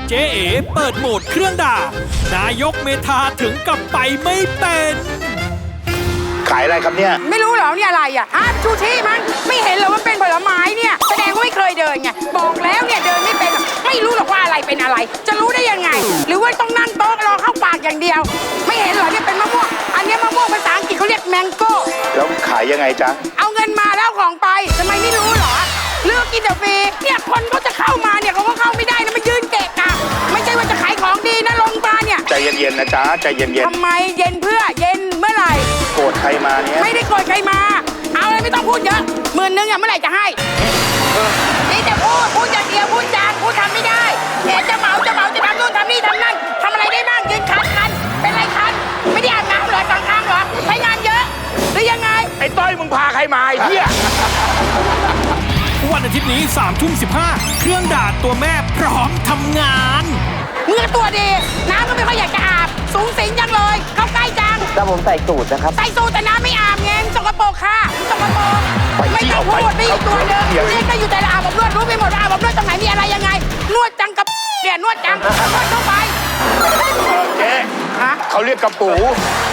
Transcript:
เจ๊เอ๋เปิดโหมดเครื่องด่านายกเมธาถึงกับไปไม่เป็นขายอะไรครับเนี่ยไม่รู้เหรอเนี่ยอะไรอ่ะฮะชูชีมั้งไม่เห็นเหรอว่าเป็นผลไม้เนี่ยแสดงว่าไม่เคยเดินไงบอกแล้วเนี่ยเดินไม่เป็นหรอกไม่รู้หรอกว่าอะไรเป็นอะไร จะรู้ได้ยังไง หรือว่าต้องนั่งโต๊ะรอเข้าปากอย่างเดียว ไม่เห็นเหรอเนี่ยเป็นมะม่วงอันนี้มะม่วงภาษาอังกฤษเขาเรียกแมงโก้แล้วขายยังไงจ๊ะเอาเงินมาแล้วของไปทำไมไม่รู้เหรอเลือกกินแต่ฟรีเนี่ยคนเขาจะเข้ามาเนี่ยเขาก็เข้าไม่ได้นะมายืนเกะกะไม่ใช่ว่าจะขายของดีนะลงมาเนี่ยใจเย็นๆนะจ๊ะใจเย็นทำไมเย็นเพื่อเย็นเมื่อไหร่ๆโกรธใครมาเนี่ยไม่ได้โกรธใครมา เอาเลยไม่ต้องพูดเยอะ10,000อ่ะเมื่อไหร่จะให้นี่แต่พูดอย่างเดียวพูดจางพูดทำไม่ได้เดี๋ยวจะเหมาจะทำนู่นทำนี่ทำนั่นทำอะไรได้บ้างยืนคันเป็นไรคันไม่ได้อาบน้ำเหรอสองครั้งเหรอใช้งานเยอะหรือยังไงไอ้ต้อยมึงพาใครมาไอ้เหี้ยวันอาทิตย์นี้3:15เครื่องด่าตัวแม่พร้อมทำงานเมื่อตัวดีน้ำก็ไม่ค่อยอยากจะอาบสูงสิงจังเลยเข้าใกล้จังถ้าผมใส่สูตรนะครับใส่สูทแต่น้ำไม่อาบไงสกปรกค่ะสกปรกไม่ต้องพูดไม่อีกตัวเดิมเรียกก็อยู่แต่ละอาบอบนวดรู้ไปหมดอาบอบนวดตรงไหนมีอะไรยังไง นวดจังกับเนี่ยนวดจังนวดเข้าไปเจ๊ฮะเขาเรียกกระปู